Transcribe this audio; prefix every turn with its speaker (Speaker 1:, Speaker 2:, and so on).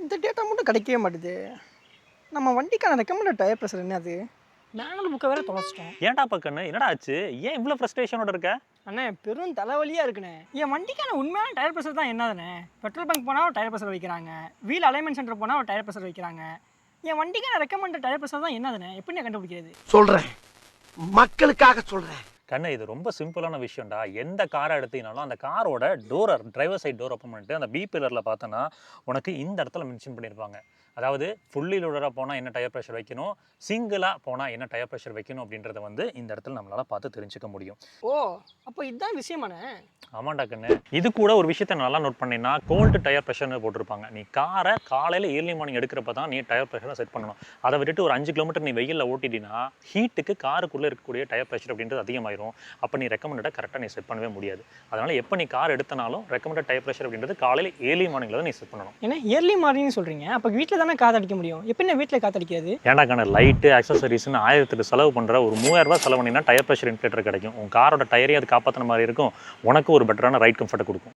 Speaker 1: இந்த டேட்டா மட்டும் கிடைக்கவே மாட்டுது. நம்ம வண்டிக்கான ரெக்கமெண்டட் டயர் ப்ரெஷர் என்னது? மேனுவல் புக்கை வேற தொலைச்சிட்டோம்.
Speaker 2: ஏன்டா பக்கன்னு என்னடா ஆச்சு? ஏன் இவ்வளோ ஃப்ரஸ்ட்ரேஷனோட இருக்க?
Speaker 1: அண்ணே பெரும் தலைவலியாக இருக்குண்ணே. என் வண்டிக்கான உண்மையான டயர் ப்ரெஷர் தான் என்னதுண்ணே? பெட்ரோல் பங்க் போனால் ஒரு டயர் ப்ரெஷர் வைக்கிறாங்க, வீல் அலைன்மெண்ட் சென்டர் போனால் ஒரு டயர் ப்ரெஷர் வைக்கிறாங்க. என் வண்டிக்கான ரெக்கமெண்டட் டயர் ப்ரெஷர் தான் என்னதுண்ணே? எப்படி கண்டுபிடிக்கிறது?
Speaker 3: சொல்கிறேன், மக்களுக்காக சொல்கிறேன்.
Speaker 2: கண்ணு இது ரொம்ப சிம்பிளான விஷயம்டா. எந்த காரை எடுத்தீங்கனாலும் அந்த காரோட டோரை டிரைவர் சைட் டோர் ஓப்பன் பண்ணிட்டு அந்த பி பில்லரில் பார்த்தோன்னா உனக்கு இந்த இடத்துல மென்ஷன் பண்ணியிருப்பாங்க. அதாவது ஃபுல்லி லோடராக போனால் என்ன டயர் ப்ரெஷர் வைக்கணும், சிங்கிளாக போனால் என்ன டயர் ப்ரெஷர் வைக்கணும் அப்படின்றத வந்து இந்த இடத்துல நம்மளால் பார்த்து தெரிஞ்சுக்க முடியும்.
Speaker 1: ஓ, அப்போ இதுதான் விஷயமாண்ணே?
Speaker 2: ஆமாண்டா கண்ணு. இது கூட ஒரு விஷயத்த நல்லா நோட் பண்ணினா கோல்டு டயர் ப்ரெஷர்னு போட்டிருப்பாங்க. நீ காரை காலையில் ஏர்லி மார்னிங் எடுக்கிறப்ப தான் நீ டயர் ப்ரெஷரை செட் பண்ணணும். அதை விட்டுட்டு ஒரு 5 கிலோமீட்டர் நீ வெயிலில் ஓட்டிட்டீங்கன்னா ஹீட்டுக்கு காருக்குள்ளே இருக்கக்கூடிய டயர் ப்ரெஷர் அப்படின்றது அதிகமாயிரும். அப்போ நீ ரெக்கமெண்டடாக கரெக்டாக நீ செட் பண்ணவே முடியாது. அதனால் எப்போ நீ கார் எடுத்தனாலும் ரெக்கமெண்டட் டயர் ப்ரெஷர் அப்படின்றது காலையில் ஏர்லி மார்னிங்கில் தான் நீ செட் பண்ணணும்.
Speaker 1: ஏன்னா இயர்லி மார்னிங்னு சொல்கிறீங்க, அப்போ வீட்டில் தானே காத்தடிக்க முடியும். எப்படி வீட்டில் காத்தடிக்கிறது?
Speaker 2: ஏன்டா கண்ணு, லைட்டு ஆக்சசரிஸ்னு 1000 செலவு பண்ணுற ஒரு 3000 ரூபாய் செலவு பண்ணினா டயர் ப்ரெஷர் இன்ஃபிளேட்டர் கிடைக்கும். உன் காரோட டயரையும் அது காப்பாற்றின மாதிரி இருக்கும், உனக்கு ஒரு பெட்டரான ரைட் கம்ஃபர்ட்டை கொடுக்கும்.